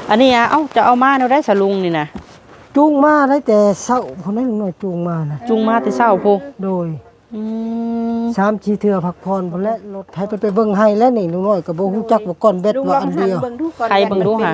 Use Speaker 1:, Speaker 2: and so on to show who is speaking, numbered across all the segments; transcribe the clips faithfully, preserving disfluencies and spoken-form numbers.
Speaker 1: อันนี้อ่ะเอ้าจะเอามาเนาได้สลุงนี่นะ
Speaker 2: จูงมาได้แต่เช้าคนนั้นหน่อยจูงมานะ
Speaker 1: จูงมาแต่เช้าพู
Speaker 2: โดย
Speaker 1: อืม
Speaker 2: สามชีเทือพักพรพุ่นและรถให้ไปไปเบิ่งให้แล้วนี่ลุงน้อยก็บ่ฮู้จักว่าก่อนเบ็ดว่าอันเดียว
Speaker 1: ใครเบิ่งดูค่ะ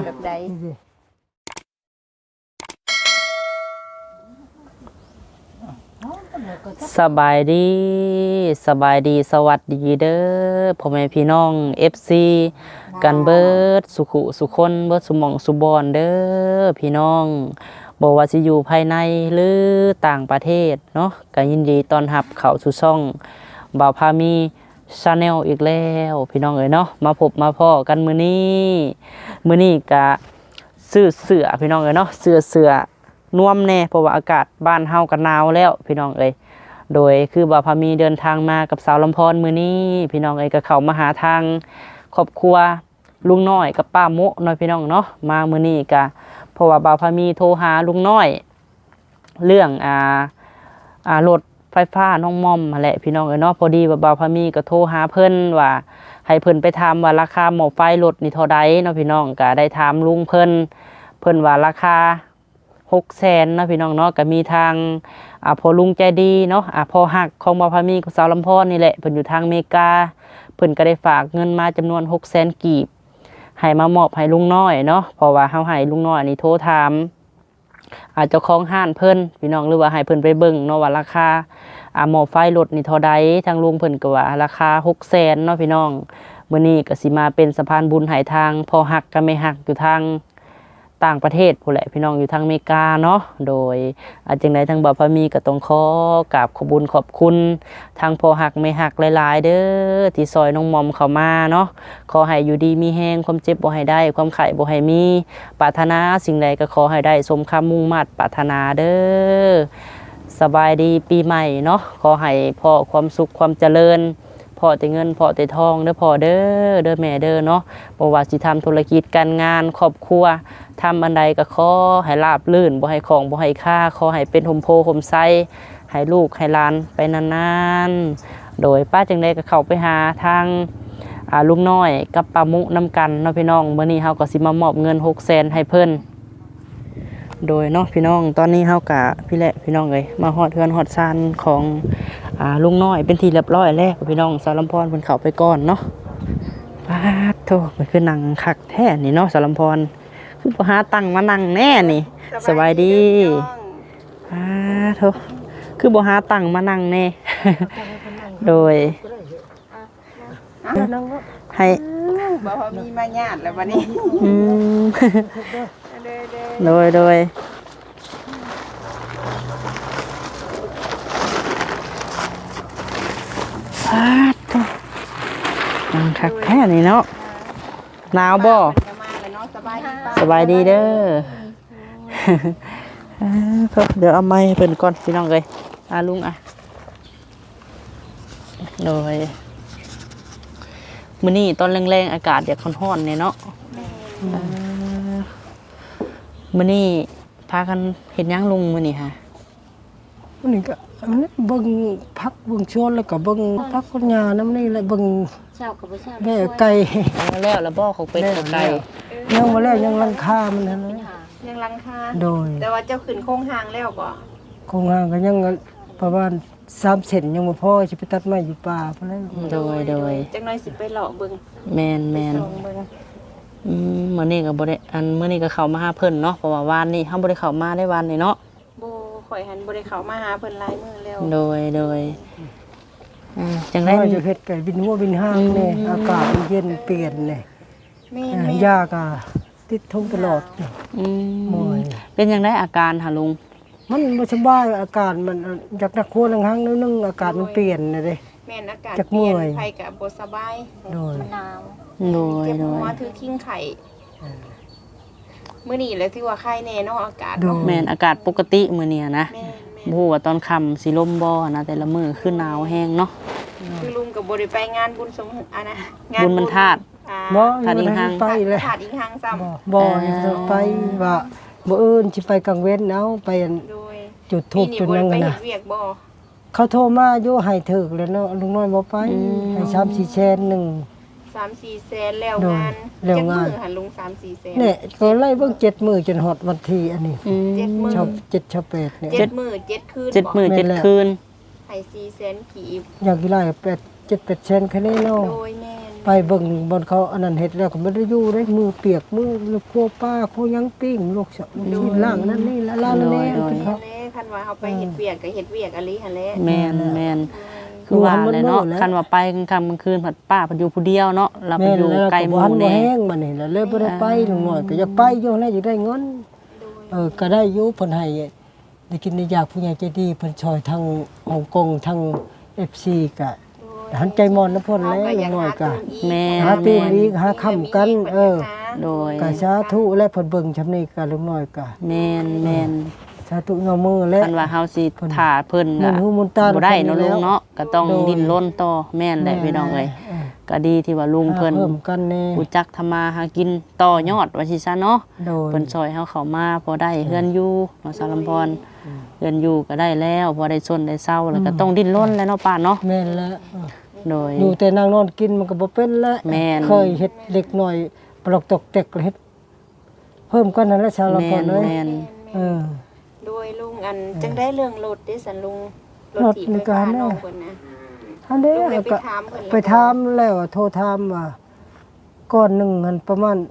Speaker 1: สบายดีสบายดีสวัสดีเด้อพ่อแม่พี่น้อง เอฟ ซี กันเบิดสุขุสุคนเบิดสุหม่องสุบอนเด้อพี่น้องบ่ว่าสิอยู่ภายในหรือต่างประเทศเนาะก็ยินดีต้อนรับเข้าสู่ช่องบ่าวพามีชาแนลอีกแล้วพี่น้องเอ้ยเนาะมาพบมาพ้อกันมื้อนี้มื้อนี้ก็ซื้อเสื้อพี่น้องเอ้ยเนาะเสื้อเสื้อนวมแน่เพราะว่าอากาศบ้านเฮาก็หนาวแล้วพี่น้องเอ้ยโดยคือบ่าวพามีเดินทางมากับสาวลำพรมื้อนี้พี่น้องเอ้ยก็เข้ามาหาทางครอบครัวลุงน้อยกับป้าโมะน้อยพี่น้องเนาะมามื้อนี้ก็เพราะว่าบ่าวพามีโทรหาลุงน้อยเรื่องอ่าอ่ารถไฟฟ้าน้องม่อมนั่นแหละพี่น้องเอ้ยเนาะพอดีว่าบ่าวพามีก็โทรหาเพิ่นว่าให้เพิ่นไปถามว่าราคาหม้อไฟรถนี่เท่าใดเนาะพี่น้องก็ได้ถามลุงเพิ่นเพิ่นว่าราคาหกแสนเนาะพี่น้องเนาะก็มีทางอ่าพอลุงใจดีเนาะอ่าพอหักของบ่าวพามีกับสาวลำพรนี่แหละเพิ่นอยู่ทางอเมริกาเพิ่นก็ได้ฝากเงินมาจำนวนหกแสนกีบให้มามอบให้ลุงน้อยเนาะเพราะว่าเฮาให้ลุงน้อยนี่โทรถามอาจจะของห้านเพิ่นพี่น้องหรือว่าให้เพิ่นไปเบิ่งเนาะว่าราคาอ่าหม้อไฟรถนี่เท่าใดทางลุงเพิ่นก็ว่าราคาหกแสนเนาะพี่น้องมื้อนี้ก็สิมาเป็นสะพานบุญให้ทางพอหักกับแม่หักอยู่ทางต่างประเทศพู้นแหละพี่น้องอยู่ทางอเมริกาเนาะโดยอาจังได๋ทางบ่าวพามีก็ต้องขอกราบขอบคุญขอบคุณทางพอหักแม่หักหลายๆเด้อที่ซอยน้องมอมเข้ามาเนาะขอให้อยู่ดีมีแรงความเจ็บบ่ให้ได้ความไข้บ่ให้มีปรารถนาสิ่งใดก็ขอให้ได้สมคำมุ่งมั่นปรารถนาเด้อสบายดีปีใหม่เนาะขอให้พ่อความสุขความเจริญพ่อแต่เงินพ่อแต่ทองเด้อพ่อเด้อเด้อแม่เด้อเนาะบ่ว่าสิทำธุรกิจการงานครอบครัวทำอันใดก็ขอให้ราบรื่นบ่ให้ของบ่ให้ค่าขอให้เป็นห่มโพห่มไสให้ลูกให้หลานไปนานๆโดยป้าจังได๋ก็เข้าไปหาทางอ่าลุงน้อยกับป้ามุนำกันเนาะพี่น้องมื้อนี้เฮาก็สิมามอบเงินหกแสนให้เพิ่นโดยเนาะพี่น้องตอนนี้เฮาก็พี่แหละพี่น้องเอ้ยมาฮอดเฮือนฮอดซานของอ่าลุงน้อยเป็นที่เรียบร้อยแล้วพี่น้องสาวลำพรเพิ่นเข้าไปก่อนเนาะป๊าดโธ่มันคือนั่งคักแท้นี่เนาะสาวลำพรคือบ่หาตังมานั่งแน่นี่สบายดีป๊าดโธ่คือบ่หาตังมานั่งแน่โดยให้
Speaker 3: บ่พอมีมาญาติแล้วบัดนี้
Speaker 1: อืมโดยโดยป๊าดโธ่นั่งคักแท้นี่เนาะหนาวบ่สบายดีเด้อเดี๋ยวเอาไม้เพิ่นก่อนพี่น้องเอ้ยอาลุงอ่ะโดยมื้อนี้ตอนแรงๆอากาศอยากร้อนๆเนี่ยเนาะมื้อนี้พากันเฮ็ดหยังลุงมื้อนี้ฮะ
Speaker 2: มื้อนี้ก็เบิ่งพักเบิ่งชวนแล้วก็เบิ่งพักคนหญ้านำนี่แหละเบิ่ง
Speaker 3: เช้าก็บ่เช้า
Speaker 2: แม่ไก่
Speaker 1: แล้วแล้วบ่เขาเป็ดไก่
Speaker 2: ยังบ่แล้วยังลังคามันนั่นนะ
Speaker 3: ยังลังคา
Speaker 2: โดย
Speaker 3: แต่ว่าเจ้าขึ้นโครงหางแล้วบ่
Speaker 2: โครงหางก็ยังประมาณสามเซนยังบ่พอสิไปตัดไม้อยู่ป่าพุ่นแล้ว
Speaker 1: โดยโดย
Speaker 3: จังน้อยสิไปเลาะเบิ่ง
Speaker 1: แม่นๆอืมมื้อนี้ก็บ่ได้อันมื้อนี้ก็เข้ามาหาเพิ่นเนาะเพราะว่าวานนี้เฮาบ่ได้เข้ามาได้วันนี้เนาะ
Speaker 3: บ่ข่อยหันบ่ได้เข้ามาหาเพิ่นหลายมื้อแล้ว
Speaker 1: โดยโดยอืมจังได๋
Speaker 2: จะเฮ็ดไก่บินหัวบินหางแน่อากาศเย็นเปลี่ยนแน่
Speaker 3: แม่
Speaker 2: ยาก็ติดทงตลอด
Speaker 1: อืมเป็นจังได๋อาการหาลุง
Speaker 2: มันบ่สบายอาการมันอยากนักโคนังหังนึงอากาศมันเปลี่ยนน่ะเด้
Speaker 3: แม่นอากาศเปลี่ยนไผก็บ่สบาย
Speaker 2: โดย
Speaker 3: หนาว
Speaker 1: โดย
Speaker 3: โดยมาถือคิงไข่มื้อนี้แหละที่ว่าไข้แน่เนาะอากาศ
Speaker 1: แม่นอากาศปกติมื้อนี้นะบ่ฮู้ว่าตอนค่ำสิลมบ่นะแต่ละมื้อคือหนาวแฮงเนาะ
Speaker 3: คือลุงก็บ่ได้ไปงานบุญสมอันน่ะ
Speaker 1: งานบุญมันธาตุ
Speaker 2: บ่ธาตุอิงหัง
Speaker 3: ไปเลยธาตุอิงหังซ้
Speaker 2: ำบ่ไปว่าบ่อื่นสิไปกลางเว้นเอาไปจุดทูบจุดนั้นนะเขาโทรมาอยู่ให้ถึกแล้วเนาะลุงน้อยบ่ไปให้สามสี่แสนหนึ่ง
Speaker 3: สามสี่แสนแล้ว
Speaker 2: โดย
Speaker 3: งาน
Speaker 2: แล้ว
Speaker 3: จัก
Speaker 2: งาน
Speaker 3: มื้อหันลุงสามสี่แสน
Speaker 2: เนี่ยก็ไล่เบิ่งเจ็ดมื้อจนฮอดวันที่อันนี้
Speaker 1: อืม
Speaker 3: เจ็ดมื้อ
Speaker 2: ชอบเจ็ดชอบแปดเนี่ย
Speaker 3: เจ็ดมื้อเจ็ดคืน
Speaker 1: เจ็ดมื้อ
Speaker 2: แม่น
Speaker 1: เจ็ด
Speaker 2: แล้ว
Speaker 1: คืน
Speaker 3: ให้สี่แสนกีบ
Speaker 2: อยากกี่ไล่แปดเจ็ดแปดเซนแค่นี้เนาะ
Speaker 3: โดยแม่น
Speaker 2: ไปเบิ่งบนเขาอันนั้นเฮ็ดแล้วก็บ่ได้อยู่ได้มือเปียกมือลูกครัวป้าครัวหยังปิ้งลูกสาวลูกล่างนั่นนี่ละล่างนั่นนี่
Speaker 1: โดย
Speaker 2: เขา
Speaker 3: แม่คันว่าเฮาไปเฮ็ดเวียกก็เฮ็ดเวียกอะลิหั่นแหละ
Speaker 1: แม่นแม่นคือว่าเลยเนาะคันว่าไปกลางค่ำกลางคืนผัดป้าผัดอยู่ผู้เดียวเนาะเราไป
Speaker 2: แม่น
Speaker 1: อยู่
Speaker 2: แล้ว
Speaker 1: ไกล
Speaker 2: ก็
Speaker 1: ห
Speaker 2: บ่
Speaker 1: มู่
Speaker 2: ทันบ่
Speaker 1: แน่
Speaker 2: แห้งบัดนี้แล้วเลยบ่ได้ไปลงหน่อยก็อยากไปอยู่แล้วอยากได้เงิน
Speaker 3: โดย
Speaker 2: เออก็ได้อยู่เพิ่นให้ได้กินได้อยากผู้ใหญ่ใจดีเพิ่นช่วยทางฮ่องกงทาง เอฟ ซี ก็หันใจมอนน้ำพ่นแล้วลงหน่อยก็
Speaker 1: แม่
Speaker 2: หาตื้มอีกหาค้ำกันเออ
Speaker 1: โดย
Speaker 2: ก็สาธุและเพิ่นเบิ่งชำนี้ก็ลงหน่อยก็
Speaker 1: แม่นแม่น
Speaker 2: สาธุเงามือและ
Speaker 1: คันว่าเฮาสิถ่าเพิ่น
Speaker 2: มุ
Speaker 1: ก็
Speaker 2: นหูมุนตา
Speaker 1: บ่ได้เนาะ
Speaker 2: แล้
Speaker 1: ลุ
Speaker 2: ว
Speaker 1: งเนาะก็ต้อง
Speaker 2: โดย
Speaker 1: ดิ้นรนต่อแม่นแหละพี่น้องเอ้ยก็ดีที่ว่าลุงเพิ่น
Speaker 2: เพิ่มกันแน่
Speaker 1: รู้จักทำมาหากินต่อยอดว่าสิซะเนาะ
Speaker 2: โดย
Speaker 1: เพิ่นซอยเฮาเข้ามาพอได้เฮือนอยู่เนาะสารลำพรเฮือนอยู่ก็ได้แล้วพอได้ซนได้เซาแล้วก็ต้องดิ้นรนแล้วเนาะป้าเนาะ
Speaker 2: แม่นแล้วเออ
Speaker 1: โดย
Speaker 2: อยู่แต่นางนอนกินมันก็บ่เป็นแล้ว
Speaker 1: แม่น
Speaker 2: เคยเฮ็ดเด็กหน่อยปลอกตกเต็กเฮ็ดเพิ่มกันนั่นแหละชาวละ
Speaker 1: แม่
Speaker 2: ก่อน
Speaker 1: น
Speaker 2: เลย
Speaker 1: แม่น
Speaker 2: เออ
Speaker 3: โดยลุงอันจังได้เรื่องรถได้สันลุงรถ
Speaker 2: รถ
Speaker 3: ถีบ
Speaker 2: ใน
Speaker 3: ไฟ
Speaker 2: กา
Speaker 3: ฟ้าร
Speaker 2: เนี่ย
Speaker 3: น้องเพิ่นนะ
Speaker 2: อันนี้
Speaker 3: ลุงเลยไป
Speaker 2: ก็
Speaker 3: ถามเพิ่น
Speaker 2: ไปถามแล้วโทรถามว่าก้อนหนึงมันประมาณ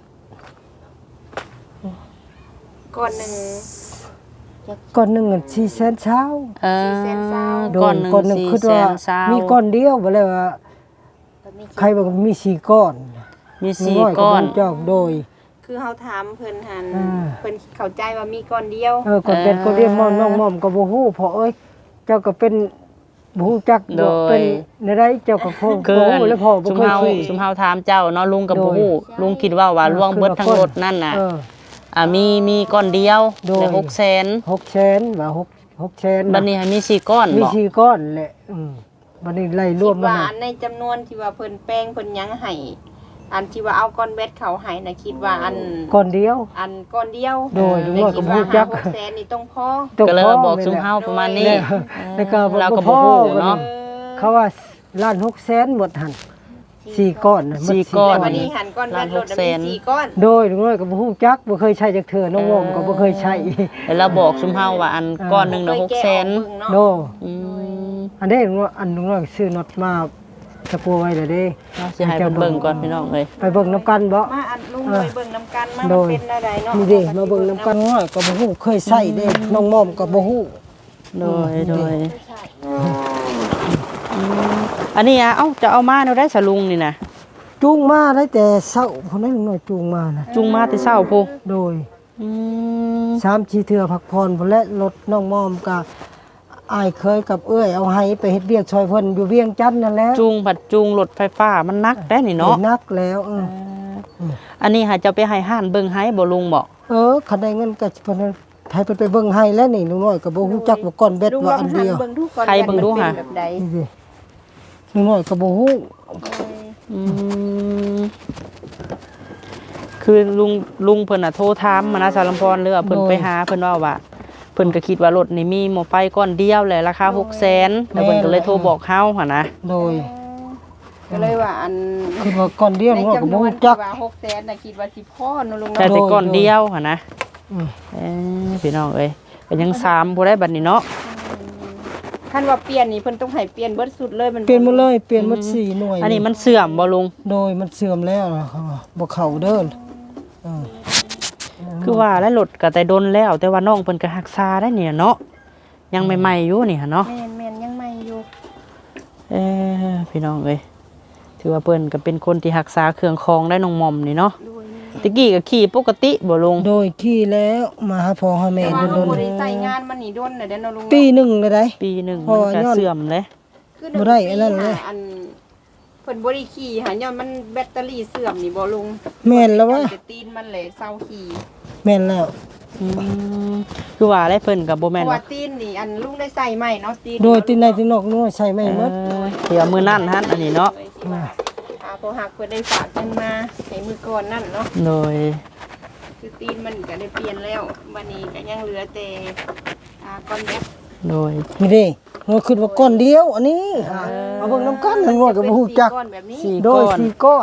Speaker 3: ก่อนหนึ่ง
Speaker 2: ก้อนหนึงมันสี่แสนเช้า
Speaker 1: เออ
Speaker 3: สี่แสนเศร้า
Speaker 2: โด
Speaker 1: ก้อน
Speaker 2: ย
Speaker 1: หนึง
Speaker 2: ก้อนหนึง
Speaker 1: สี่
Speaker 2: คิด
Speaker 1: แส
Speaker 2: ว่าน
Speaker 1: เศร้า
Speaker 2: มีก้อนเดียวบ่แล้วว่า
Speaker 3: ก็มี
Speaker 2: ใครบอกมีสี่ก้อน
Speaker 1: มีสี่
Speaker 2: น้ย
Speaker 1: ก้อน
Speaker 2: บ่รู้จักโดย
Speaker 3: คือเฮาถามเพิ่นหัน
Speaker 2: อ่า
Speaker 3: เพิ่นเข้าใจว่ามีก้อนเดียว
Speaker 2: เออก้อนเป็นก้อนเดียวมอมน้องมอมก็บ่ฮู้เพราะเอ้ยเจ้าก็เป็นบ่ฮู้จัก
Speaker 1: โด
Speaker 2: บ่
Speaker 1: ย
Speaker 2: เป็นในใดเจ้าก็คง
Speaker 1: คือ
Speaker 2: บ่ฮู้แล้วพ่อบ่
Speaker 1: ซุม
Speaker 2: เคย
Speaker 1: เฮา
Speaker 2: คุย
Speaker 1: ซุมเฮาถามเจ้าเนาะลุงกับ
Speaker 2: โด
Speaker 1: บ่
Speaker 2: ย
Speaker 1: ฮู้ลุงคิดว่าว่า
Speaker 2: เออ
Speaker 1: ล่วงเบิดทั้ง
Speaker 2: คือ
Speaker 1: ร
Speaker 2: ว่า
Speaker 1: ถนั่นน่ะ
Speaker 2: เออ
Speaker 1: อ่ามีมีก้อนเดียว
Speaker 2: โดย
Speaker 1: ได้หกแสน
Speaker 2: หกแสนว่าหก หกแสน
Speaker 1: บัดนี้ให้มีสี่ก้อน
Speaker 2: มี
Speaker 1: บ่
Speaker 2: สี่ก้อนแหละอืมบัดนี้ไล่ร
Speaker 3: คิ
Speaker 2: วม
Speaker 3: ด
Speaker 2: มัน
Speaker 3: ว่า
Speaker 2: น่ะ
Speaker 3: อันในจำนวนที่ว่าเพิ่นแป้งเพิ่นหยังให้อันที่ว่าเอาก้อนเบ็ดเขาให้น่ะคิดว่าอัน
Speaker 2: ก้อนเดียว
Speaker 3: อันก้อนเดียว
Speaker 2: โดยลุง
Speaker 3: แต่
Speaker 2: น้อยก็
Speaker 3: คิด
Speaker 2: บ่
Speaker 3: ว่า
Speaker 2: รู้จัก
Speaker 3: หาหกแสนนี่ต้องพอ
Speaker 2: ต
Speaker 1: ก็เลย
Speaker 2: พ่
Speaker 1: บอก
Speaker 2: แม่
Speaker 1: ซุม
Speaker 2: น่ะ
Speaker 1: เฮาประมาณนี้
Speaker 2: แล้วแล้วก็
Speaker 1: เราก็
Speaker 2: บ่
Speaker 1: บ่
Speaker 2: พอ
Speaker 1: ฮู้เนาะ
Speaker 2: เขาว่าล้านหกแสนหมดหั่นสี่ก้อนน่ะหมด
Speaker 1: สี่ก้อน
Speaker 3: วันนี้หันก้อนเบ็ดรถน่ะมีสี่ก้อน
Speaker 2: โดยลุงน้อยก็บ่ฮู้จักบ่เคยใช้จักเทื่อน้องวอมก็บ่เคยใช้
Speaker 1: แล้วเราบอกซุมเฮาว่าอันก้อนหนึงน่ะหกแสน
Speaker 2: โด
Speaker 1: อืม
Speaker 2: อันนี้ลุงน้อยอันลุงน้อยซื้อน็อตมาตะปูไว้เลยเด้
Speaker 1: เราสิให้เพิ่นเบิ่งก่อนพี่น้องเอ้ย
Speaker 2: ไปเบิ่งน้ำกันบ่
Speaker 3: มาอันลุงเลยเบิ่งน้ำกันมา
Speaker 2: โด
Speaker 3: มัน
Speaker 2: ย
Speaker 3: เป็นอะไรเนาะ
Speaker 2: นี่เด้มาเบิ่งน้ำกันน้อยก็บ่ฮู้เคยใช้เด้น้องมอมก็บ่ฮู้
Speaker 1: โดยโดยอืมอันนี้อ่ะเอ้าจะเอามาแนวได้สะลุงนี่นะ
Speaker 2: จูงมาได้แต่เช้าพุ่นนั้นลุงน้อยจูงมาน่ะ
Speaker 1: จุงมาแต่เช้าพุ
Speaker 2: โดย
Speaker 1: อืม
Speaker 2: สามสี่เทื่อพักผ่อนพุ่นและรถน้องมอมก็อายเคยกับเอ้ยเอาให้ไปเฮ็ดเวียกช่วยเพิ่นอยู่เวียงจันทน์นั่นแหละ
Speaker 1: จุงผัดจุงรถไฟฟ้ามันนักได้นี่เนาะ
Speaker 2: เห็นักแล้วเออ
Speaker 1: อันนี้หาจะไปให้ห้านเบิ่งให้บ่ลุงบอก
Speaker 2: เออคันได้เงินก็เพิ่นให้เพิ่นไปเบิ่งให้แล้วนี่ลุงน้อยก็บ่ฮู้จักว่าก้อนเบ็ด
Speaker 3: ลุงล
Speaker 2: ว่า
Speaker 3: อง
Speaker 2: อัน
Speaker 3: หัน
Speaker 2: เดียว
Speaker 3: เบิ่งดูก่อน
Speaker 1: ใครเบิ่งดูหะ
Speaker 3: เป็นแบบใด
Speaker 2: นี่สิลุงน้อยก็บ่ฮู้
Speaker 1: อืมคือลุงลุงเพิ่นน่ะโทรถามมานะสารลำพรเรือว่าเพิ่นไปหาเพิ่นว่าว่าเพิ่นก็คิดว่ารถนี่มีหม้อไฟก้อนเดียวแหละราคาหกแสนแล้วเพิ่นก็เลยโทรบอกเฮาหั่นนะ
Speaker 2: โดย
Speaker 3: ก็เลยว่าอัน
Speaker 2: คิดว่าก้อนเดียว
Speaker 3: ใน
Speaker 2: ลุงน้อยก็
Speaker 3: จำน
Speaker 2: บ่
Speaker 3: วน
Speaker 2: ฮู้
Speaker 3: ที่
Speaker 2: จัก
Speaker 3: ว่าหกแสนน่ะคิดว่าสิพ่อเนาะลุง
Speaker 1: แต่
Speaker 3: เนาะ
Speaker 1: แต่ก้อนเดียวหั่นนะ
Speaker 2: อืม
Speaker 1: เอ้ยพี่น้องเอ้ยก็ยังสามบ่ได้บัดนี้เนาะ
Speaker 3: ท่านว่าเปลี่ยนนี่เพิ่นต้องให้เปลี่ยนเบิดสุดเลยมัน
Speaker 2: เปลี่ยนหมดเลยเปลี่ยนหมดสี่หน่วย
Speaker 1: อันนี้มันเสื่อมบ่ลุง
Speaker 2: โดยมันเสื่อมแล้วนะครับบ่เข้าเด้อเออ
Speaker 1: คือว่าแล้วรถก็แต่ดนแล้ว แต่ว่าน้องเพิ่นก็รักษาได้เนี่ยเนาะยังใหม่ๆอยู่นี่หั่นเนาะ
Speaker 3: แม่นแม่นยังใหม่อยู่
Speaker 1: เอ้ยพี่น้องเอ้ยถือว่าเพิ่นก็เป็นคนที่รักษาเครื่องคองได้น้องหม่อมนี่เนาะ
Speaker 3: ด้วย
Speaker 1: ตะกี้ก็ขี่ปกติบ่ลุง
Speaker 2: โดยขี่แล้วมาหาพ่อหาแม่
Speaker 3: แต่ว่า
Speaker 2: โด
Speaker 3: เรา
Speaker 2: น
Speaker 3: บ่ได้ใส่งานมันนี่ด้นน่ะเด้อเนาะลุง
Speaker 2: ๆปีหนึงเลยได้
Speaker 1: ปีหนึง
Speaker 2: เพราะ
Speaker 1: มัน
Speaker 2: ว่า
Speaker 1: ก็
Speaker 2: ย้อน
Speaker 1: เสื่อมเลย
Speaker 3: คือ
Speaker 2: บ่ได้อันนั้นเลย
Speaker 3: อันเพิ่นบ่ได้ขี่หาย้อนมันแบตเตอรี่เสื่อมนี่บ่ลุง
Speaker 2: แม่นแล้ววะ
Speaker 3: จะตีนมันเลยเศร้าขี่
Speaker 2: แม่นแล้ว
Speaker 1: อืมคือว่าได้เพิ่นก็บ่
Speaker 3: เพ
Speaker 1: แม่น
Speaker 3: ราะว่า
Speaker 1: ว่า
Speaker 3: ตีนนี่อันลุงได้ใส่ใหม่เนาะตีน
Speaker 2: โดยที่ในที่นอกนู้นใช้ไม่หมด
Speaker 1: เออเดี๋ยวมื้อนั้นหั่นอันนี้เนาะ
Speaker 3: อาพอหักเพิ่นได้ฝากเงินมาให้มือก่อนนั่นเนาะ
Speaker 1: โดย
Speaker 3: คือตีนมันก็ได้เปลี่ยนแล้ววันนี้ก็ยังเหลือแต่อ่าก้อนแบต
Speaker 1: โดย
Speaker 2: นี่เด้เราคิดว่าก้อนเดียวอันนี้เอาเบิ่งน้ำกันทั้งหมดก็บ่ฮู้จัก
Speaker 3: เป็นสี่ก้อนแบบนี้
Speaker 1: สี่
Speaker 2: โด
Speaker 1: ก้
Speaker 2: ย
Speaker 1: อน
Speaker 2: สี่ก้อน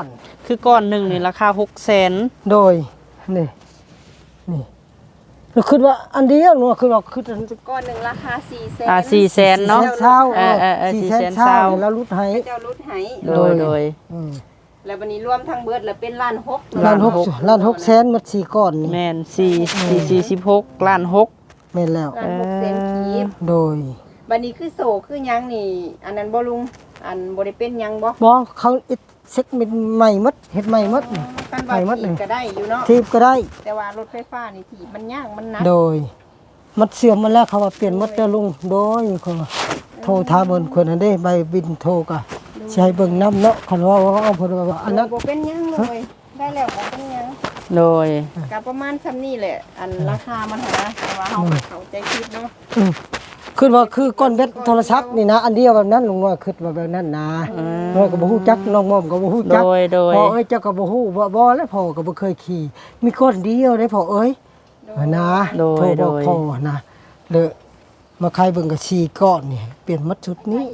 Speaker 1: คือก้อนหนึงนี่ราคาหกแสน
Speaker 2: โดยนี่นี่เราคิดว่าอันเดียวเนาะคือว่าคืออัน
Speaker 3: ก้อนหนึ่งราคาสี่แสน
Speaker 1: อ่าสี่แสนเนาะ
Speaker 2: เช้า
Speaker 1: เออเออเออ
Speaker 2: สี่
Speaker 1: สี่
Speaker 2: แส
Speaker 1: แส
Speaker 2: น
Speaker 1: น
Speaker 2: เช้า
Speaker 1: เช้า
Speaker 2: แล้วรุดให้
Speaker 3: เจ้ารุดให้
Speaker 1: โดยโดย
Speaker 2: อืม
Speaker 3: แล้ววันนี้รวมทั้งเบิดแล้วเป็นล้านหก
Speaker 2: ล้านหกล้านหกแสนหมดสี่ก้อนนี่
Speaker 1: แม่นสี่สี่สี่สิบหกล้านหก
Speaker 2: แม่นแล้ว
Speaker 3: ล้านหกแสนกีบ
Speaker 2: โดย
Speaker 3: วันนี้คือโศกคือหยังนี่ อันนั้นบ่ลุงอันบ่ได้เป็นหยังบ่
Speaker 2: บ่เขาเอ็ดเซ็กเป็นใหม่หมดเฮ็ดใหม่หมดนี่
Speaker 3: กันว่า
Speaker 2: ไปหมดเลย
Speaker 3: ถีบก็ได้อยู่เนาะ
Speaker 2: ทีบก็ได้
Speaker 3: แต่ว่ารถไฟฟ้านี่ถีบมันยากมันหนัก
Speaker 2: โดย มันเสื่อมมาแล้วเขาว่าเปลี่ยนหมดแล้วลุงโดยเขาว่าโทรถามเบิ่นคนนั้นเด้ใบบินโทรก็สิให้เบิ่งนํเนาะคันว่าว่าเอาเพิ่นว่าอันนั้น
Speaker 3: บ่เป็นหยังเลยได้แล้วบ่เป็นหยัง
Speaker 1: โดย
Speaker 3: ก็ประมาณซ้ำนี่แหละ อันราคามันหาแต่ว่าเฮาก็เข้าใจคิดเนาะ
Speaker 2: อืมคือว่าคือก้อนเบ็ดโทรศัพท์นี่นะอันเดียวแบบนั้นลุงว่าคิดว่าแบบนั้นนะน้อยก็บ่ฮู้จักน้องม่อมก็บ่ฮู้
Speaker 1: โด
Speaker 2: จัก
Speaker 1: ยโดย
Speaker 2: พ่อเอ้ยเจ้าก็บ่ฮู้บ่บ่แล้วพ่อก็บ่เคยขี่ มีก้อนเดียวได้พ่อเอ้ยนะโทรบอกพ่อนะเลยมาใครเบิ่งก็สี่ก้อนนี่เปลี่ยนหมดชุดนี้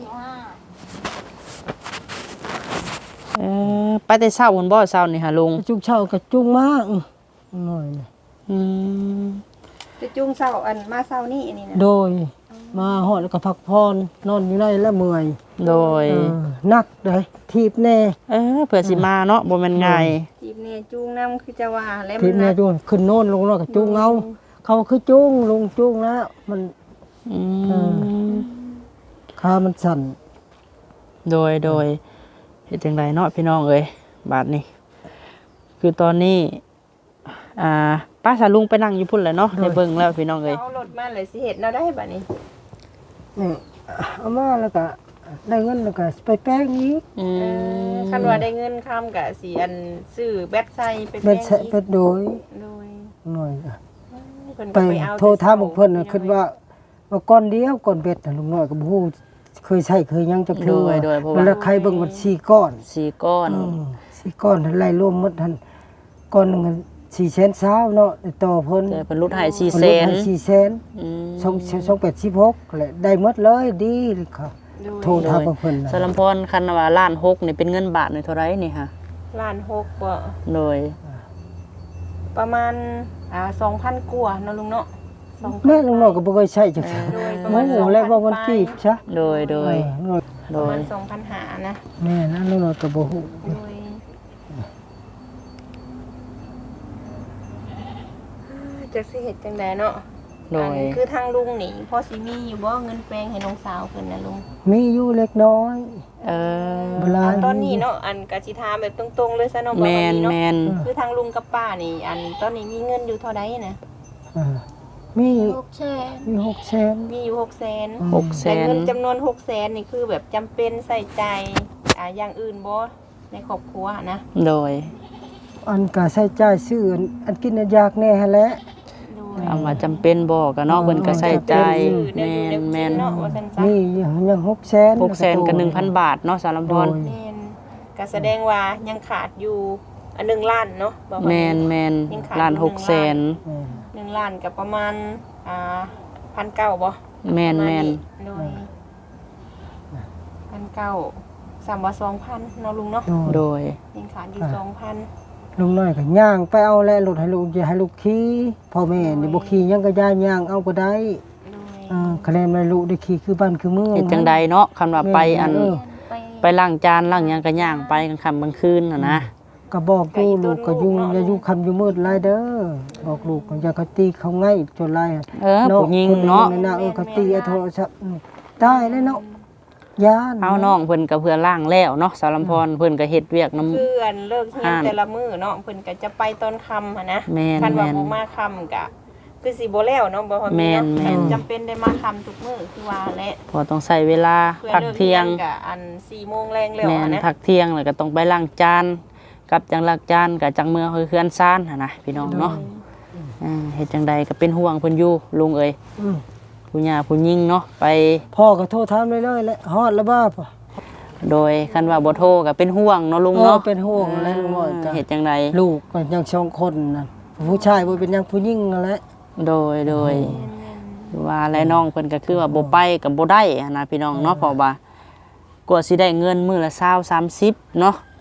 Speaker 1: เออไปแต่เช้าบนบ่เช้านี่ฮะลุง
Speaker 2: จุงเช่าก็จุงมาอื้อหน่อยนะ
Speaker 1: อืม
Speaker 3: จะจุงเช้าอันมาเช้านี่อันนี้นะ
Speaker 2: โดยมาฮอดแล้วก็พักพรนอนอยู่ในแล้วเมื่อย
Speaker 1: โดย
Speaker 2: เออนักเลยทีบแน่
Speaker 1: เออเผื่อสิมาเนาะบ่แม่นง่าย
Speaker 3: ทีมเนี่ยจุงนํคือจะว่าแล้ว
Speaker 2: ที
Speaker 3: มั
Speaker 2: บ
Speaker 3: น
Speaker 2: แน่
Speaker 3: นัก
Speaker 2: จุงขึ้นโน่นลงแล้วก็จุงเอาเขาคือจุงลงจุงแล้วมัน
Speaker 1: อืม
Speaker 2: ขามันสั่น
Speaker 1: โดยโดยเฮ็ดจังไดเนาะพี่น้องเอ้ยบาดนี้ คือตอนนี้ อ่าป้าสาลุงไปนั่งอยู่พุ่นแหละเนาะได้เบิ่งแล้วพี่น้องเอ้ย
Speaker 3: เอารถมาเลยสิเฮ็ดแนวได้บัดนี้
Speaker 2: นี่เอามาแล้วก็ได้เงินแล้วก็ไปแป้งอีก
Speaker 1: อื
Speaker 3: เอ
Speaker 1: ม
Speaker 3: อคันว่าได้เงินค้ำก็สิอันซื้อแบตใส่ไป
Speaker 2: เป็
Speaker 3: แป้
Speaker 2: น
Speaker 3: ง
Speaker 2: ใช้
Speaker 3: อีก
Speaker 2: เป็นโดย
Speaker 3: โดย
Speaker 2: หน่อยก็
Speaker 3: เพิ่น
Speaker 2: ไป
Speaker 3: ก็เอา
Speaker 2: โทรถามพวกเพิ่นน่ะคิดว่าว่าก้อนเดียวก้อนเบ็ดน่ะลุงน้อยก็บ่ฮู้เคยใช้เคยยังจัก
Speaker 1: โด
Speaker 2: เทื่อย
Speaker 1: โดยเพราะ
Speaker 2: เว
Speaker 1: ว่า
Speaker 2: ลาใครเบิ่งมันสี่ก้อน
Speaker 1: สี่ก้อน
Speaker 2: อืมสี่ก้อนไล่รวมหมดหั่นก้อนหนึงสี่แสนเช้าเนาะได้ต่อเพิ่น
Speaker 1: แต่เพิ่นลดให้สี่
Speaker 2: เพิ่
Speaker 1: แส
Speaker 2: ลด
Speaker 1: น
Speaker 2: ให้สี่แสน
Speaker 1: อืม
Speaker 2: สองสองแปดสิบหกแหละได้หมดเลยดีเลยค่ะ
Speaker 3: โดย
Speaker 2: โทรถามเพิ่นน่ะ
Speaker 1: สลัมพรคันว่าล้านหกนี่เป็นเงินบาทนี่เท่าไหร่นี่ฮะ
Speaker 3: ล้านหกบ่
Speaker 1: โดย
Speaker 3: ประมาณอ่าสองพันกว่าเนาะลุงเนาะสองพัน
Speaker 2: แม่ลุงน้อยก็บ่เคยใช้จัก
Speaker 3: โดยประ
Speaker 2: โม
Speaker 3: มาณ
Speaker 2: โห
Speaker 3: สองพัน
Speaker 2: แล้วว่ามันกีบซะ
Speaker 1: โดยโดย
Speaker 2: เออ
Speaker 1: โด
Speaker 3: ประ
Speaker 1: ย
Speaker 3: มาณสองพันห้านะ
Speaker 2: แม่นะลุงน้อยก็บ่ฮู้
Speaker 3: โดยจักสิเฮ็ดจังไดเนาะ
Speaker 1: โดย
Speaker 3: อันคือทางลุงนี่พอสิมีอยู่บ่เงินแปลงให้น้องสาวเพิ่นน่ะลุง
Speaker 2: มีอยู่เล็กน้อย
Speaker 1: เออ
Speaker 2: เวลา
Speaker 3: ตอนนี้เนาะอันกะสิถามแบบตรงๆเลยซะเนาะบ่
Speaker 1: แม
Speaker 3: ว่าน มีเนาะ
Speaker 1: แมน
Speaker 3: คือทางลุงกับป้านี่ อันตอนนี้มีเงินอยู่เท่าใดนะ
Speaker 2: เออมี
Speaker 3: หกแสน
Speaker 2: มีหกแสน
Speaker 3: มีอยู่หกแสน
Speaker 1: หกแส
Speaker 3: แต่
Speaker 1: น
Speaker 3: เงินจำนวนหกแสนนี่คือแบบจำเป็นใส่ใจอ่าอย่างอื่นบ่ในครอบครัวนะ
Speaker 1: โดย
Speaker 2: อันก็ใช้จ่ายซื้ออันอันกินอันยากแน่หั่นแหละ
Speaker 3: โดย
Speaker 1: เอามาจำเป็นบ่ก็เนาะเพิ่นก็ใส่ใจแมนแมน
Speaker 3: เนาะว่าซั่นซะ
Speaker 2: มียังหกแสน
Speaker 1: หกแสนกับหนึ่งพันบาทเนาะสารพร
Speaker 2: โดย
Speaker 3: แม่นก็แสดงว่ายังขาดอยู่อันหนึ่งล้านเนาะบ่ว่า
Speaker 1: แมนแมนล้านหกแสน
Speaker 2: เออ
Speaker 3: หนึ่งล้านกับประมาณอ่าพันเก้าบ่
Speaker 1: แมนแมน
Speaker 3: โดยพันเก้าสามว่าสองพันเนาะลุงเนาะ
Speaker 1: โดย
Speaker 3: ยังขาดอยู่สองพัน
Speaker 2: ลุงน้อยก็ย่างไปเอาแลรถให้ลูกอย่าให้ลูกขี่พ่อแม่นี่บ่ขี่ยังก็ย่างย่างเอาก็ได้
Speaker 3: โดย
Speaker 2: เออคะแนนให้ลูกได้ขี่คือบ้านคือเมือง
Speaker 1: เฮ็ดจังใดเนาะคันว่าไปอัน
Speaker 2: เออ
Speaker 3: ไป
Speaker 1: ไปล้างจานล้างหยังก็ย่างไปกลางค่ำกลางคืนน่ะนะ
Speaker 2: ก็บอกกูลูกก็อยู่อย่าอยู่คำอยู่มืดหลายเด้อบอกลูกก็อย่าเขาตีเขาง่ายจนไร
Speaker 1: เออผู้หญิงเนาะ
Speaker 2: คนะเออเขาตีไอ้โทรศัพท์อืมตายเลยเนาะยาน
Speaker 1: เอาน้องเพิ่นก็เพื่อล้างแล้วเนาะสารพรเพิ่นก็เฮ็ดเวียกน้ำ
Speaker 3: เพื่อนเลิกเฮียน
Speaker 1: อ่าน
Speaker 3: แต่ละมื้อเนาะเพิ่นก็จะไปตอนค่ำหั่นนะ
Speaker 1: แม่น
Speaker 3: คันว่า
Speaker 1: แม่น
Speaker 3: บ่มาค่ำก็คือสิบ่แล้วเนาะบ่ว่า
Speaker 1: แม่
Speaker 3: มี
Speaker 1: น
Speaker 3: เนาะ
Speaker 1: แม่น
Speaker 3: จำเป็นได้มาค่ำทุกมื้อคือว่าแหละ
Speaker 1: พอต้องใช้เวลา
Speaker 3: เพื่อ
Speaker 1: พัก
Speaker 3: เลิก
Speaker 1: เที่ยง
Speaker 3: นก็อันสี่โมงแรงแล้ว
Speaker 1: แม่น
Speaker 3: อะนะ
Speaker 1: พักเที่ยงแล้วก็ต้องไปล้างจานกับจังล้างจานกับจังเมืองเฮือนซ่านหั่นนะพี่น้องเนาะอ่าเฮ็ดจังใดก็เป็นห่วงเพิ่นอยู่ลุงเอ้ย
Speaker 2: อืม
Speaker 1: ผู้หญิงผู้หญิงเนาะไป
Speaker 2: พ่อก็โทรถามเลยเลยๆแหละฮอดแล้วบ้าป่ะ
Speaker 1: โดยคันว่าบ่โทรก็เป็นห่วงเนาะลุงเนาะ
Speaker 2: เออเป็นห่วงอะไรลุงน้อยก็
Speaker 1: เฮ็ดจังใด
Speaker 2: ลูกก็ยังสองคนนั่นผู้ชายบ่เป็นหยังผู้หญิงนั่นแหละ
Speaker 1: โดยโดยว่าและน้องเพิ่นก็คือว่าบ่ไปก็บ่ได้หั้นนะพี่น้องเนาะเพราะว่ากว่าสิได้เงินมื้อละยี่สิบ สามสิบเนาะ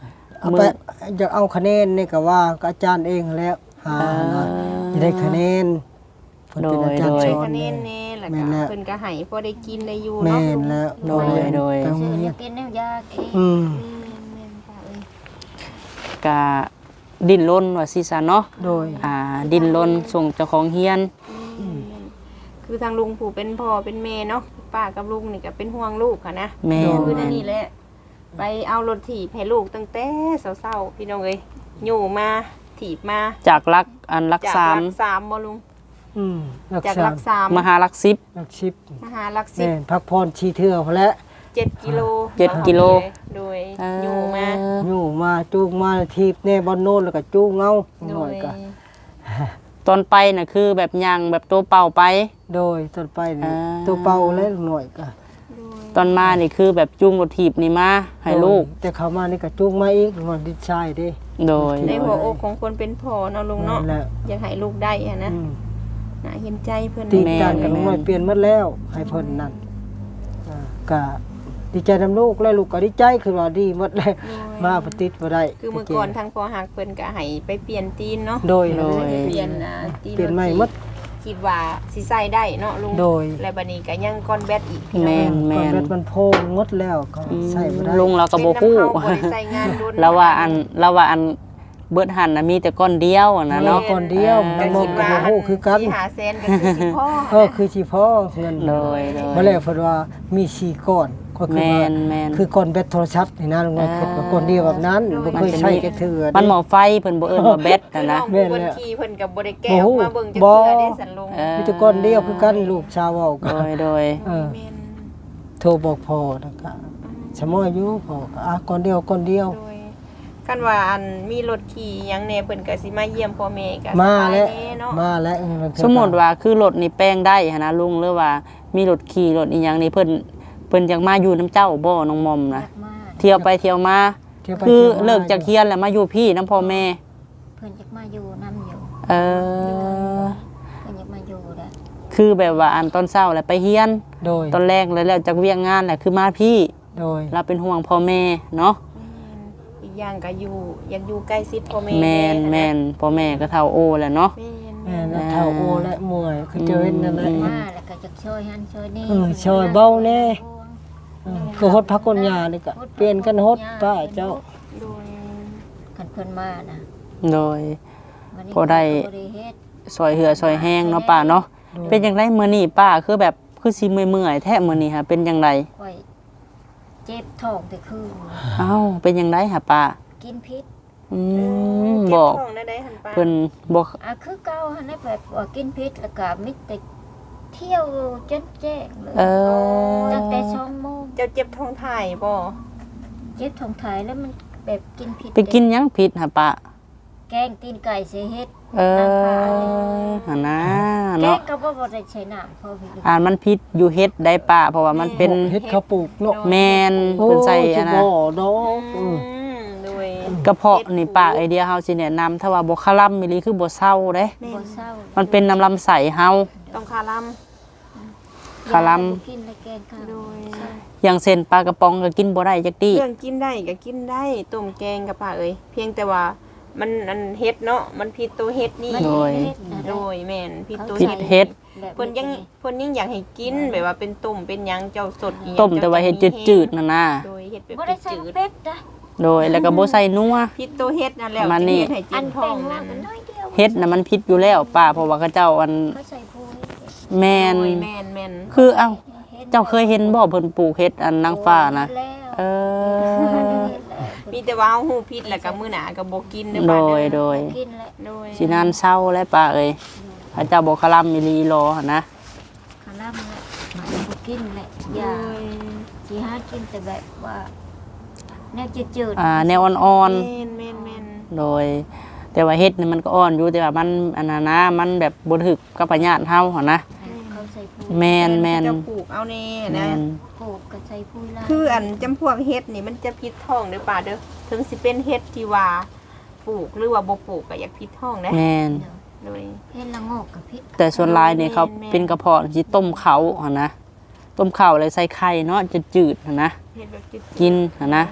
Speaker 2: เอาไปอยากเอาคะแนนนี่ก็ว่าก็อาจารย์เองแล้วหานะจะได้คะแนนเพิ่นเป็นอาจารย์สอน
Speaker 3: คะแน
Speaker 2: แม่
Speaker 3: นแน่แล้ว
Speaker 2: แม่
Speaker 3: ก็
Speaker 2: นแล้ว
Speaker 3: เพิ่นก็ให้พอได้กินได้อยู่
Speaker 2: แม่
Speaker 3: เนาะ
Speaker 2: นแล้ว
Speaker 1: โดยโดย
Speaker 2: ไปโรง
Speaker 4: ซื้อ
Speaker 2: เรี
Speaker 4: แล้
Speaker 2: ยน
Speaker 4: วกินน้ำยาเอง
Speaker 2: อืม
Speaker 3: แม่นๆค่ะเอ้ย
Speaker 1: กะดิ้นรนว่าสิซะเนาะ
Speaker 2: โดย
Speaker 1: อ่าดิ้นรนส่งเจ้าของเฮียน
Speaker 3: อืมคือทางลุงผู้เป็นพ่อเป็นแม่เนาะป้ากับลุงนี่ก็เป็นห่วงลูกค่ะนะ
Speaker 1: แม่น
Speaker 3: คือนั่นนี่แหละไปเอารถถีบให้ลูกตั้งแต่เศร้าๆพี่น้องเอ้ยอยู่มาถีบมา
Speaker 1: จากรักอันรัก
Speaker 3: จาก
Speaker 1: สาม
Speaker 3: รักสามบ่ลุง
Speaker 2: อืมรัก
Speaker 3: จาก
Speaker 2: ษา
Speaker 3: รักสาม
Speaker 1: มหารักสิบ
Speaker 2: รักชิป
Speaker 3: มหารักสิ
Speaker 2: แม่
Speaker 3: บ
Speaker 2: นพักพรชีเทื่อพอแล้ว
Speaker 3: เจ็ดกิโล
Speaker 1: เจ็ดกิโล
Speaker 3: โดย
Speaker 1: เอ่อ
Speaker 3: อยู่มา
Speaker 2: อยู่มาจูงมาทีบแน่บอลโน่นแล้วก็จูงเงา
Speaker 3: โด
Speaker 2: หน่อย
Speaker 3: ย
Speaker 2: ก็
Speaker 1: ตอนไปน่ะคือแบบยางแบบตัวเป่าไป
Speaker 2: โดยต้นไปนี่
Speaker 1: อ่า
Speaker 2: ตัวเป่าแล้วหน่อยก็
Speaker 1: ตอนมานี่คือแบบจุงรถถีบนี่มาให้ลูก
Speaker 2: โดยแต่เขามานี่ก็จูงมาอีกหน่อยดิชายเด้
Speaker 1: โดย
Speaker 3: ในหัวอกของคนเป็นพ่อเนาะลุงเนาะ
Speaker 2: นั่นแหละ
Speaker 3: อยากให้ลูกได้อะนะ
Speaker 2: อืม
Speaker 3: น่าเห็นใจเพิ่น
Speaker 2: ตี
Speaker 1: แม่
Speaker 2: กันกับ
Speaker 1: แม่
Speaker 2: หน่อยเปลี่ยนหมดแล้วให้เพิ่นนั่นอ่าก็ดีใจนำลูกแล้วลูกก็ดีใจคือว่าดีหมดเลยมาปฏิติบ่ได้
Speaker 3: คือเมื่อก่อนทางพอหักเพิ่นก็ให้ไปเปลี่ยนตีนเนาะ
Speaker 2: โดย
Speaker 1: โดย
Speaker 3: เปลี่ยนอ่าตีน
Speaker 2: เปลี่ยนใหม่หมด
Speaker 3: คิดว่าสิใส่ได้เนาะลุง
Speaker 2: โดย
Speaker 3: และบัดนี้ก็ยังก้อนแบตอีก
Speaker 1: แม่น
Speaker 2: ก่อนแบตมันโพงหมดแล้วก็
Speaker 1: อืม
Speaker 2: ใส่บ่ได้
Speaker 1: ลุงเราก็
Speaker 3: เป็น
Speaker 1: บ่ฮู้
Speaker 3: น้ำเฮาบ่ได้ใส่งานดุน
Speaker 1: แล้วว่าอันแล้วว่าอันเบิดหันน่ะมีแต่ก้อนเดียวอะนะเนาะ
Speaker 2: ก่อนเดียว
Speaker 1: อ่า
Speaker 2: มันบ่ก็บ่ฮู้คือกัน
Speaker 3: สิหาแสนก็คือสิพ่อ
Speaker 2: เออคือสิพอเงิน
Speaker 1: โดยโดย
Speaker 2: บ่แล้วเพิ่นว่ามีสี่ก้อนก็คือ
Speaker 1: แม่
Speaker 2: ว่าน
Speaker 1: แม่น
Speaker 2: คือก้อนแบตโทรศัพท์นี่นะลุงน้อยคิดว่าก้อนเดียวแบบนั้นบ่เคยใช้จักเทื่อ
Speaker 1: มันหมอไฟเพิ่นบ่เอิ้นว่าแบต
Speaker 3: คือ
Speaker 1: น่ะ
Speaker 3: น้
Speaker 1: นะ
Speaker 3: อง
Speaker 2: แม่
Speaker 3: ผู้
Speaker 2: น
Speaker 3: เพิ่น
Speaker 2: แล้ว
Speaker 3: ขี่เพิ่นก็บ่ได้แก้
Speaker 2: บ่
Speaker 3: อ
Speaker 2: ฮู้
Speaker 3: อกมาเบิ่งจัก
Speaker 2: บ่
Speaker 3: เทื่อได้สันลุง
Speaker 1: เออ
Speaker 2: มีแต่ก้อนเดียวคือกันลูกชาวเว้ากั
Speaker 1: โด
Speaker 2: น
Speaker 1: ยโดย
Speaker 2: เออ
Speaker 3: แม่น
Speaker 2: โทรบอกพ่อแล้วก็สมออยู่พ่อก็อ่ะก้อนเดียวก้อนเดียว
Speaker 3: โดยคันว่าอันมีรถขี่หยังแน่เพิ่นก็สิมาเยี่ยมพ่อแม่ก็ส
Speaker 2: มา
Speaker 3: บาย
Speaker 2: แล้ว
Speaker 3: แน่เนาะ
Speaker 2: มาแล้วเออ
Speaker 1: สมมุติว่าคือรถนี่แป้งได้หันนะลุงหรือว่ามีรถขี่รถอีหยังนี่เพิ่นเพิ่นอยากมาอยู่น้ำเจ้าบ่น้องมอมนะ
Speaker 4: อยากมา
Speaker 1: เที่ยวไปเที่ยวมา
Speaker 2: เที่ยวไป
Speaker 1: คือ
Speaker 2: ที่ยวม
Speaker 1: เลิกจากเฮียนแล้วมาอยู่พี่น้ำพ่อแม่
Speaker 4: เพิ่นอยากมาอยู่น้ำอยู่
Speaker 1: เออ
Speaker 4: เพิ่นอยากมาอยู่แหละ
Speaker 1: คือแบบว่าอันตอนเช้าแล้วไปเฮียน
Speaker 2: โดย
Speaker 1: ตอนแรกแล้วแล้วจากเวียงงานแหละคือมาพี่
Speaker 2: โดย
Speaker 1: เราเป็นห่วงพ่อแม่เนาะ
Speaker 3: อีกอย่างก็อยู่อยากอยู่ใกล้ชิดพ่อแม่
Speaker 1: แม่นแม่นพ่อแม่ก็เท่าโอแหละเนาะ
Speaker 3: แม่น
Speaker 2: แม่แล้วเท่าโอและมวยคือเจอเห็นนั่นแหละ
Speaker 1: อืม
Speaker 4: มาแล้วก็จะช่วยหันช่วยนี่
Speaker 2: เออช่วยเบาแน่ เออคือฮดพักคนยานี่ก็เปลี่ยนกันฮดป้าเจ้า
Speaker 3: โดย
Speaker 4: คันเพิ่นมานะ
Speaker 1: โดย
Speaker 4: วันนี้
Speaker 1: พอได้
Speaker 4: ก็บ่เฮ็ด
Speaker 1: ซอยเหือซอยแห้งเนาะป้าเนาะเป็นจังไดมื้อนี้ป้าคือแบบคือสิเมื่อยๆแท้มื้อนี้ค่ะเป็นจังได
Speaker 4: ค่อยเจ็บท้องแต่คืน
Speaker 1: เอ้าเป็นจังไดหะป้า
Speaker 4: กินพิษ
Speaker 1: อืม
Speaker 3: เจ็
Speaker 1: บอก
Speaker 3: ท้องได้ได้หันปลา
Speaker 1: เพิ่นบอก
Speaker 4: อ่ะคือเก่าหันได้แบบว่ากินพิษแล้วก็มิแต่เที่ยวจนแจ้งเลย
Speaker 1: เออ
Speaker 4: ตั้งแต่สองโมง
Speaker 3: เจ้าเจ็บท้องถ่ายบ่
Speaker 4: เจ็บท้องถ่ายแล้วมันแบบกินพิษ
Speaker 1: ไปกินหยังผิดหะป้า
Speaker 4: แกงตีนไก่เสียเฮ็ด
Speaker 1: เอ
Speaker 4: น้ำปลา
Speaker 1: อหั่นนะ
Speaker 4: แก
Speaker 1: เนาะ
Speaker 4: งก็บ่บ่ได้ใช้น้ำเพราะพี่
Speaker 1: อ่านมันผิดอยู่เฮ็ดได้ป้าเพราะว่ามันเป็น
Speaker 2: เฮ็ดข้าวปลูกเนาะ
Speaker 1: แมนเพิ่นใส่อันนะ
Speaker 2: โอ้สิบ่ดอก
Speaker 3: อื
Speaker 2: อืม
Speaker 3: มโดย
Speaker 1: กระเพาะนี่ป้าไอเดียเฮาสิแนะนำถ้าว่าบ่คาร่ำมิลีคือบ่เศร้าเด้
Speaker 3: แม่
Speaker 4: บ่
Speaker 3: น
Speaker 4: เศร้า
Speaker 1: มันเป็นน้ำลำใสเฮา
Speaker 3: ต้องคาลัม
Speaker 1: คาร่
Speaker 4: ยบ่กินแล้วแกงข้าว
Speaker 3: โดย
Speaker 1: อย่างเช่นปลากระป๋องก็กินบ่ได้จักตี้
Speaker 3: เครื่องกินได้ก็กินได้ต้มแกงกับปลาเอ้ยเพียงแต่ว่ามันอันเฮ็ดเนาะมันผิดตัวเฮ็ดนี่
Speaker 4: มัน
Speaker 1: โดย
Speaker 4: เฮ็ดนะ
Speaker 3: โดยแม่นผิดตัว
Speaker 1: ผิดเฮ็ด
Speaker 4: แบบ
Speaker 3: เพิ่นยังเพิ่นยังอยากให้กินแบบว่าเป็นต้มเป็นหยังเจ้าสดอีหยัง
Speaker 1: ต้มแต่ว่าเฮ็ดจืดๆนั่นน่ะ
Speaker 3: โดยเฮ็ดแบบ
Speaker 4: บ่ได้ใส่
Speaker 3: จืด
Speaker 4: เป็ดนะ
Speaker 1: โดยแล้วก็บ่ใส่นัว
Speaker 3: ๆผิดตัวเฮ็ดนั่นแหละ
Speaker 1: ประมาณนี้
Speaker 3: ที่เฮ็ดให้
Speaker 4: อั
Speaker 3: จิ้
Speaker 4: น
Speaker 3: ม
Speaker 4: แป้
Speaker 3: ท้อง
Speaker 4: งว่า
Speaker 3: นั่น
Speaker 4: ก็น้อยเดียว
Speaker 1: เฮ็ดน่ะมันผิดอยู่แล้วป้าเพราะว่าเขาเจ้าอัน
Speaker 4: เขาใส่โพย
Speaker 1: แม่น
Speaker 3: โดยแม่นแม่น
Speaker 1: คือเอ้าเจ้าเคยเห็นบ่เพิ่นปลูกเฮ็ดอันนางฟ้านะ
Speaker 4: แล้ว
Speaker 1: เออ
Speaker 3: มีแต่ว่าเฮาฮู้ผิดแล้วก็มื้อหน้าก็บ่กินเด้อ
Speaker 1: โด
Speaker 3: ป้าเด้
Speaker 1: ย
Speaker 3: อ
Speaker 1: โดย
Speaker 4: กินแล้ว
Speaker 3: โดย
Speaker 1: สินานเศร้าแล้วป้าเอ้ยพระเจ้าบ่คาร่ำมิลีรอหั่นนะ
Speaker 4: คาร่ำแล้วมันบ่กินแหละ
Speaker 3: โด
Speaker 4: อย่าย สิหากินแต่แบบว่าแนวจืดๆ
Speaker 1: อ่าแนวอ่อน
Speaker 3: แม่นแม่นแม่น
Speaker 1: ๆ โดย แต่ว่าเฮ็ดนี่มันก็อ่อนอยู่แต่ว่ามันอันนั้นนะมันแบบบ่ถึกกับปัญญาเฮาหั่นนะ
Speaker 4: เขาใส่พู
Speaker 1: แม่นแม่น
Speaker 3: เจ้าปลูกเอาแน่
Speaker 1: แม่
Speaker 3: นะ
Speaker 1: น
Speaker 4: ปลูกก็ใส่พูลา
Speaker 3: คืออันจำพวกเฮ็ดนี่มันจะพิษท้องเด้อป่าเด้อถึงสิเป็นเฮ็ดที่ว่าปลูกหรือว่าบ่ปลูกก็อยากพิษท้องนะ
Speaker 1: แม่น
Speaker 3: โดย
Speaker 4: เฮ็ดละโงกกับพริก
Speaker 1: แต่ส่วนหลายนี่เขา
Speaker 3: แม่น
Speaker 1: เป็นกระเพาะสิต้มเขาหั่นนะต้มข้าวแล้วใส่ไข่เนาะจะจืดหั่นนะ
Speaker 3: เฮ็ดแบบจืด
Speaker 1: กินหั่นนะ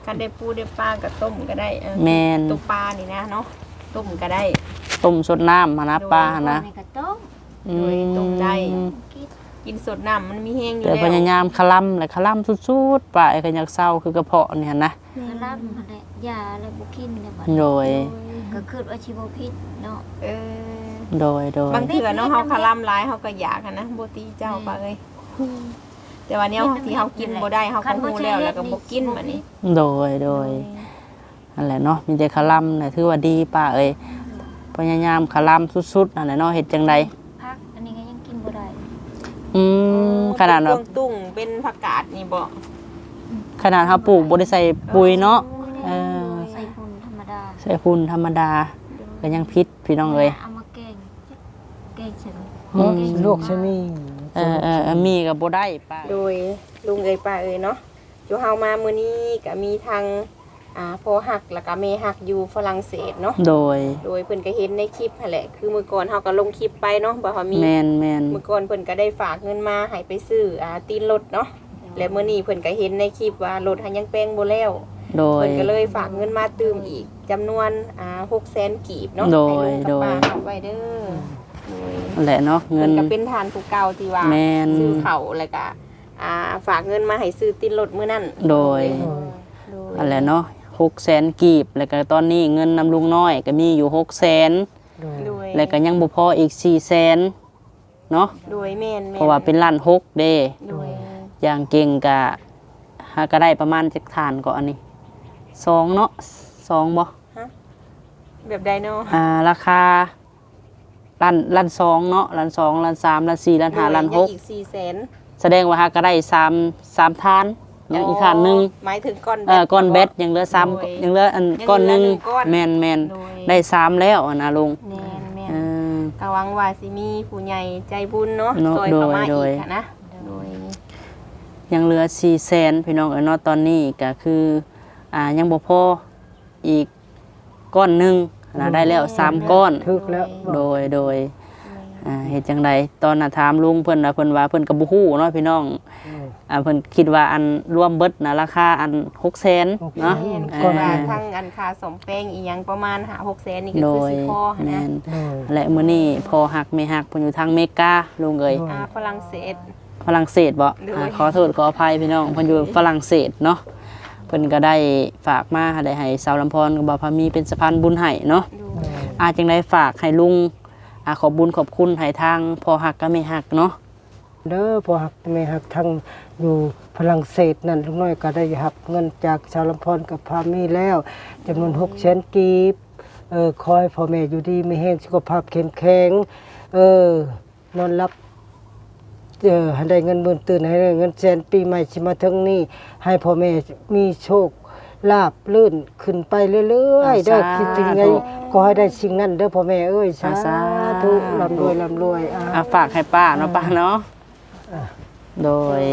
Speaker 3: กันได้ปูได้ปลาก็ต้มก็ได้เออ
Speaker 1: แม่น
Speaker 3: ตัวปลานี่นะเนาะต้มก็ได้
Speaker 1: ต้มสดน้ำหั้นนะปลาหั้นนะ
Speaker 4: ในกระต้ม
Speaker 1: อื
Speaker 3: โดยต้มได้
Speaker 1: ม
Speaker 4: กิน
Speaker 3: กินสดน้ำมันมีแห้งอยู่
Speaker 1: แต่
Speaker 3: แล้ว
Speaker 1: พยายามคลำและคลำสุดๆปลาไอ้ก็อยากเศร้าคือกระเพาะนี่หั่นนะ
Speaker 4: กระลำอะไรยาอะไรบุกินเนี่ยบัด
Speaker 1: โดย
Speaker 4: ก็คือว่าชีวพิษเนาะ
Speaker 3: เออ
Speaker 1: โดยโดย
Speaker 3: บางเถื่อเนาะเฮาคาร่ำร้ายเฮาก็อยากอะนะบ่ตีเจ้าปะเอ้ยแต่ว่าแนวที่เฮากินบ่ได้เฮาก็ฮู้แล้วแล้วก็บ่กินบัดนี้
Speaker 1: โดยโดยนั่นแหละเนาะมีแต่คลำน่ะถือว่าดีป้าเอ้ยพยายามคลำสุดๆนั่นแหละเนาะเฮ็ดจังได
Speaker 4: พักอันนี้ก็ยังกินบ่ได้
Speaker 1: อืมขนาด
Speaker 3: เป็
Speaker 1: แบบ
Speaker 3: เครื่องตุ้งเป็นผักกาดนี่บ่
Speaker 1: ขนาดเฮาปลูกบ่ได้ใส่ปุ๋ยเนาะเออ
Speaker 4: ใส่พุ่นธรรมดา
Speaker 1: ใส่ฝุ่นธรรมดาก็ยังพิษพี่น้องเอ้ย
Speaker 4: เอามาแกงแกงเสร็จ
Speaker 1: อืม
Speaker 2: โรคชะนี
Speaker 1: เออเออเออมีก็บ่ได้ป้า
Speaker 3: โดยลุงเอ้ยป้าเอ้ยเนาะอยู่เฮามามื้อนี้ก็มีทางอ่าพ่อฮักแล้วก็แม่ฮักอยู่ฝรั่งเศสเนาะ
Speaker 1: โดย
Speaker 3: โดยเพิ่นก็เห็นในคลิปนั่นแหละคือมื้อก่อนเฮาก็ลงคลิปไปเนาะบ่ว่ามี
Speaker 1: แมนแมน
Speaker 3: เมื่อก่อนเพิ่นก็ได้ฝากเงินมาให้ไปซื้ออ่าตีนรถเนาะและมื้อนี้เพิ่นก็เห็นในคลิปว่ารถหันยังแปลงบ่แล้ว
Speaker 1: โดย
Speaker 3: เพิ่นก็เลยฝากเงินมาตืมอีกจำนวนอ่าหกแสนกีบเนาะ
Speaker 1: โดย
Speaker 3: ให้ลุงกับ
Speaker 1: โดย
Speaker 3: ป้าเอาไว้เด้อโดย
Speaker 1: นั่นแหละเนาะเงิ
Speaker 3: เพิ่
Speaker 1: น
Speaker 3: นก็เป็นทานผู้เก่าที่ว่า
Speaker 1: แม่น
Speaker 3: ซื้อเขาวแล้วก็อ่าฝากเงินมาให้ซื้อตีนรถมื้อนั้น
Speaker 1: โดย
Speaker 3: โดย
Speaker 1: นั่นแหละเนาะหกแสนกีบแล้วก็ตอนนี้เงินนำลุงน้อยก็มีอยู่หกแสน
Speaker 3: โดย
Speaker 1: แล้วก็ยังบ่พออีกสี่แสนเนาะ
Speaker 3: โดยแม่นแม่น
Speaker 1: เพราะว่าเป็นล้านหกเด้
Speaker 3: โดย
Speaker 1: อย่างเก่งก็หาก็ได้ประมาณจักฐานก็อันนี้สองเนาะสองบ่
Speaker 3: แบบใดเนาะ
Speaker 1: อ่าราคาล้านล้านสองเนาะล้านสองล้านสามล้านสี่ล้านห้าล้านหก
Speaker 3: โดยยังอีกสี่แสน
Speaker 1: แสดงว่าหาก็ได้สามสามทานยังอีกฐานหนึง
Speaker 3: หมายถึงก้อน
Speaker 1: เออก้อนเบ็ดยังเหลือสาม
Speaker 3: โดย
Speaker 1: ยังเหลืออัน
Speaker 3: ยังเหลือ
Speaker 1: ก้อนหนึง
Speaker 3: หนึ่งก้อน
Speaker 1: แม่นแม่น
Speaker 3: โดย
Speaker 1: ได้สามแล้วอะนะลุง
Speaker 3: แม่นแม่น
Speaker 1: เออ
Speaker 3: ก็หวังว่าสิมีผู้ใหญ่ใจบุญเนาะ
Speaker 1: เนาะ
Speaker 3: ซอยเข้ามา
Speaker 1: โดย
Speaker 3: อีกค่ะนะโดย
Speaker 1: ยังเหลือสี่แสนพี่น้องเอ๋ยเนาะตอนนี้ก็คืออ่ายังบ่พออีกก้อนหนึงนะได้แล้วสามก้อน
Speaker 2: ทึกแล้ว
Speaker 1: โดยโดยอ่าเฮ็ดจังไดตอนน่ะถามลุงเพิ่นน่ะเพิ่นว่าเพิ่นก็บ่ฮู้เนาะพี่น้องอ่าเพิ่นคิดว่าอันรวมเบิดน่ะราคาอันหกแสนเนาะ
Speaker 3: แม่น
Speaker 1: อ่า
Speaker 3: ก็ว่าทั้งอันค่าสมแป้งอีหยังประมาณห้า หกแสนนี่ก็
Speaker 1: โด
Speaker 3: คือย สิพอหั้น
Speaker 1: แม่
Speaker 3: นะ
Speaker 1: น
Speaker 2: โดย
Speaker 1: และมื้อนี้พอหักไม่หักเพิ่นอยู่ทางอเมริกาลุงเอ้ย
Speaker 3: อ่าฝรั่งเศส
Speaker 1: ฝรั่งเศสบ่
Speaker 3: โดย
Speaker 1: อ่าขอโทษขออภัยพี่น้องเพิ่นอยู่ฝรั่งเศสเนาะเพิ่นก็ได้ฝากมาได้ให้สาวลำพรกับบ่าวพามีเป็นสะพานบุญให้เนาะ
Speaker 3: ดู
Speaker 1: อาจังได้ฝากให้ลุงอ่าขอบบุญขอบคุณให้ทางพอหักก็ไม่หักเนาะ
Speaker 2: เด้อพอหักแม่หักทั้งอยู่ฝรั่งเศสนั่นลุงน้อยก็ได้หับเงินจากชาวลำพรกับพามีแล้วจำนวนหกแสนกีบเออคอยพ่อแม่อยู่ดีไม่แห้งสุขภาพเข้มแข็งเออนอนรับเออให้ได้เงินหมื่นตื่นให้ได้เงินแสนปีใหม่สิมาถึงนี้ให้พ่อแม่มีโชคลาบลื่นขึ้นไปเรื่อยๆเด้อคิดถึงไงก็ให้ได้สิ่งนั้นเด้อพ่อแม่เอ้ยสาธุร่ำรวยร่ำรวยอ่า
Speaker 1: อ่ะฝากให้ป้าเนาะป้าเนาะโดย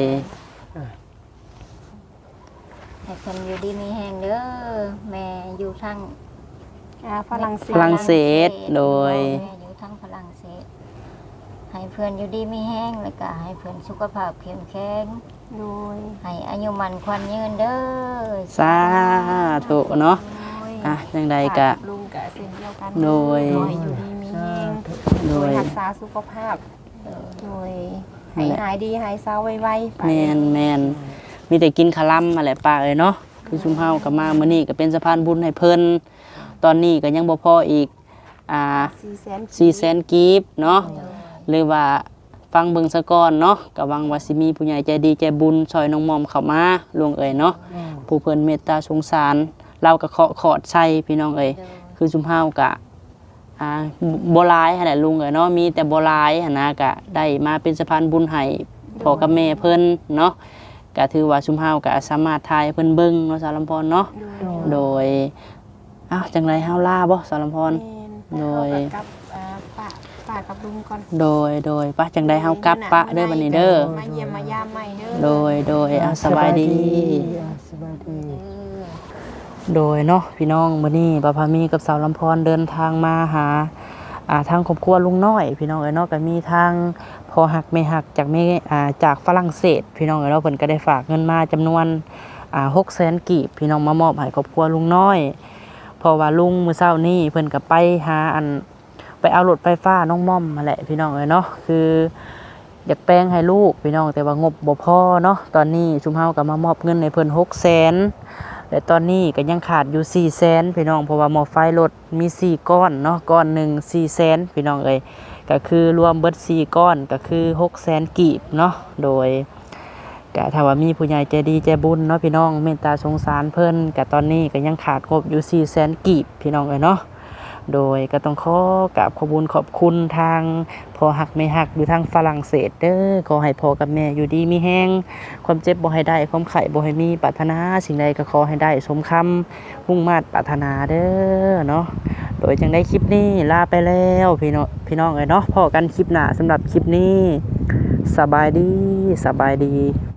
Speaker 4: ให้คนอยู่ดีมีแห้งเด้อแม่อยู่ทาง
Speaker 3: อ่าฝรั่งเศ
Speaker 1: ฝ
Speaker 3: ส
Speaker 1: รั่งเศสโดย
Speaker 4: แม่อยู่ทางฝรั่งเศสให้เพื่อนอยู่ดีมีแห้งแล้วก็ให้เพื่อนสุขภาพเข้มแข็ง
Speaker 3: โดย
Speaker 4: ให้อายุมันควันยืนเด้อ
Speaker 1: สาธุเนาะอ่ะจังใดก็
Speaker 3: ฝาลุงกับเส้นเดียวกัน
Speaker 1: โดย
Speaker 3: ขอให้อยู่ดีมีแรง
Speaker 1: โด
Speaker 3: โดย
Speaker 1: ย
Speaker 3: รักษาสุขภาพโดยให้หายดีหายเศร้าไวๆไป
Speaker 1: แมนแมนมีแต่กินคาลัมมาแหละป้าเอ้ยเนาะคือชุมเฮาก็มามื้อนี้ก็เป็นสะพานบุญให้เพิ่นตอนนี้ก็ยังบ่พออีกอ่า
Speaker 3: สี่แสน
Speaker 1: สี่แสนกีบเนาะหรือว่าฟังเบิ่งซะก่อนเนาะก็หวังว่าสิมีผู้ใหญ่ใจดีใจบุญช่วยน้องมอมเข้ามาลวงเอ่ยเนาะผู้เพิ่นเมตตาสงสารเราก็เคาะขอดใส่พี่น้องเอ่ยคือชุมเฮาก็อ่าบ่หลายหั่นแหละลุงเอ่ยเนาะมีแต่บ่หลายหั่นนะก็ได้มาเป็นสะพานบุญให้พ่อกับแม่เพิ่นเนาะก็ถือว่าชุมเฮาก็สามารถทายให้เพิ่นเบิ่งเนาะสารลำพรเนาะโดยอ้าวจังไรเฮาลาบ่สารลำพร โดย
Speaker 3: กับอ่าป้าป้ากับลุงก่อน
Speaker 1: โดยโดยปะจังได้เฮากลับปะเด้อบัดนี้เด้อ
Speaker 3: มาเยี่ยมมายามใหม่เด้อ
Speaker 1: โดยโดยอ่ะสบายดี
Speaker 2: อ่าสบายดี
Speaker 1: โดยเนาะพี่น้องมื้อนี้ป้าพามีกับสาวลำพรเดินทางมาหาอ่าทางครอบครัวลุงน้อย พี่น้องเอ้ยเนาะก็มีทางพอหักไม่หักจากแม่อ่าจากฝรั่งเศส พี่น้องเอ้ยเนาะเพิ่นก็ได้ฝากเงินมาจำนวนอ่าหกแสนกีบพี่น้องมามอบให้ครอบครัวลุงน้อยเพราะว่าลุงมื้อเช้านี้เพิ่นก็ไปหาอันไปเอารถไฟฟ้าน้องม่อมมาแหละพี่น้องเอ้ยเนาะคืออยากแปลงให้ลูกพี่น้องแต่ว่างบบ่พอเนาะตอนนี้ชุมเฮาก็มามอบเงินให้เพิ่นหกแสนและตอนนี้ก็ยังขาดอยู่สี่แสนพี่น้องเพราะว่าหม้อไฟรถมีสี่ก้อนเนาะก้อนหนึ่งสี่แสนพี่น้องเอ้ยก็คือรวมเบิดสี่ก้อนก็คือหกแสนกีบเนาะโดยก็ถ้าว่ามีผู้ใหญ่ใจดีใจบุญเนาะพี่น้องเมตตาสงสารเพิ่นก็ตอนนี้ก็ยังขาดงบอยู่สี่แสนกีบพี่น้องเอ้ยเนาะโดยก็ต้องขอกราบขอบคุญขอบคุณทางพ่อหักแม่หักอยู่ทางฝรั่งเศสเด้อขอให้พ่อกับแม่อยู่ดีมีแห้งความเจ็บบ่ให้ได้ความไข้บ่ให้มีปรารถนาสิ่งใดก็ขอให้ได้สมคำมุ่งมา่ปรารถนาเด้อเนาะโดยจังได้คลิปนี้ลาไปแล้วพี่น้องพี่น้องเอ้ยเนาะพอกันคลิปหน้าสำหรับคลิปนี้สบายดีสบายดี